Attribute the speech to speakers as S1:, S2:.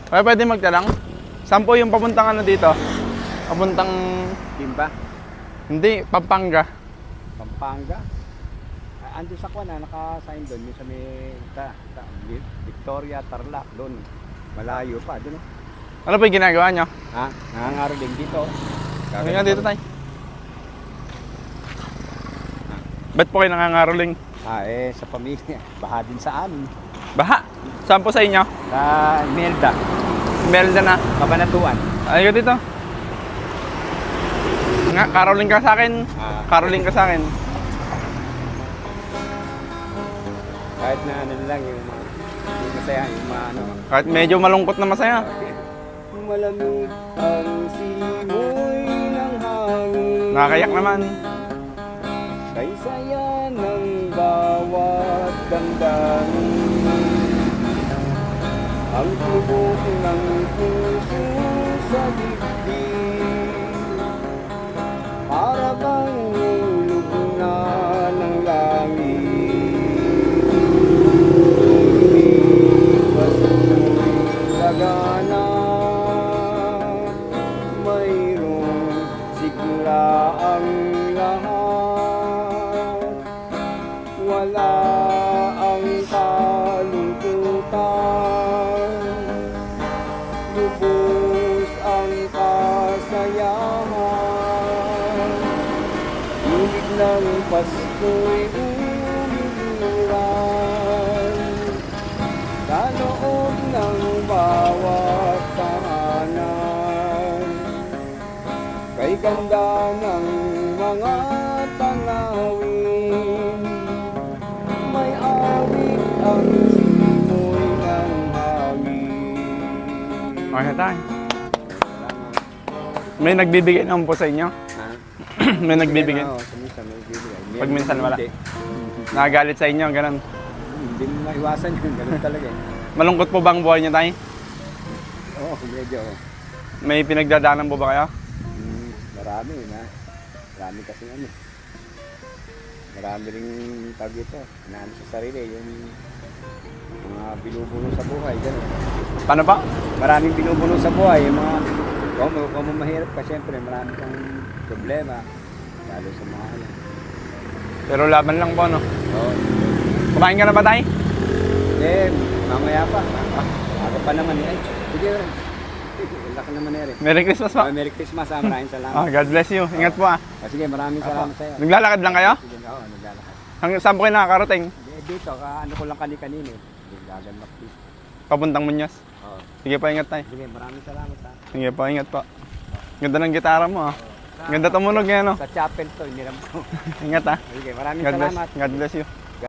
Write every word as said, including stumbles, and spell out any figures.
S1: Kaya pwede magtanong? Saan po yung papuntang ano dito? Papuntang...
S2: Timba?
S1: Hindi, Pampanga.
S2: Pampanga? Ah, ando sa Kwan, naka-sign doon. Yung sa may ta, ta, Victoria, Tarlac, doon. Malayo pa, doon.
S1: Ano po yung ginagawa nyo?
S2: Ha? Nangangaroling dito.
S1: Ano nga dito tayo? Ba't po kayo nangangaroling?
S2: Ah, eh, sa pamilya. Baha din sa amin.
S1: Baha? Saan po sa inyo?
S2: Sa Melda,
S1: Melda na.
S2: Kabanatuan.
S1: Ayun dito. Nga, caroling ka sa akin.
S2: Ah,
S1: Caroling ka sa akin.
S2: kahit na ano lang yung mga, yung masaya, yung mga ano.
S1: Kahit medyo malungkot na masaya.
S2: Malamig ang simoy ng hangin.
S1: Nakakayak naman.
S2: Kay saya ng bawat damdamin. Ang tubok ng puso sa dibdib. Para bang hulog na ng langit. Pasuloy lagana. Mayroong sigla ang lahat. Wala ang kalungkutan. Lubos ang kasayahan. Ibig ng Pasko'y umuluran sa loob ng bawat tahanan. Kay ganda ng mga tanawin, may awit ang simoy ng hangin.
S1: Okay na tayo. May nagbibigay naman po sa inyo?
S2: Ha?
S1: May nagbibigay?
S2: Oo, sa minsan may bibigay.
S1: Pag minsan wala.
S2: Hindi.
S1: Nakagalit sa inyo, ganun.
S2: Hindi mo maiwasan yun, ganun talaga eh.
S1: Malungkot po ba ang buhay niyo tayo?
S2: Oo, medyo.
S1: May pinagdadaanan po ba kayo?
S2: Hmm, marami na. Marami kasi ano. Marami ring tag ito. Inaano sa sarili, yung mga binubulong sa buhay, gano'n.
S1: Paano pa?
S2: Maraming binubulong sa buhay, yung mga kung, kung mahirap ka, syempre marami kang problema. Lalo sa mga ano.
S1: Pero laban lang po, no?
S2: Oo.
S1: Kumain ka na ba tayo?
S2: Eh, mamaya pa. Aga pa naman eh. Ay, sige rin. Laki naman eh rin.
S1: Merry Christmas po.
S2: Oh, Merry Christmas, ah. Maraming salamat.
S1: Ah, God bless you. Ingat po ah.
S2: Ah, sige, maraming salamat sa'yo.
S1: Naglalakad lang kayo?
S2: Sige, oo, naglalakad.
S1: Hanggang saan po kayo nakakarating?
S2: Eh, dito, ka, ano ko lang kani-kanini. Hindi, gaganap dito.
S1: Papuntang Muñoz.
S2: Oo.
S1: Sige po, ingat tayo.
S2: Sige, maraming salamat ha.
S1: Sige po, ingat po. Ganda ng gitara mo ah. Ganda tumunog yan, no?
S2: Sa chapel to, iniram ko.
S1: Ingat ah.
S2: Sige, maraming
S1: God bless.
S2: salamat.
S1: God bless you.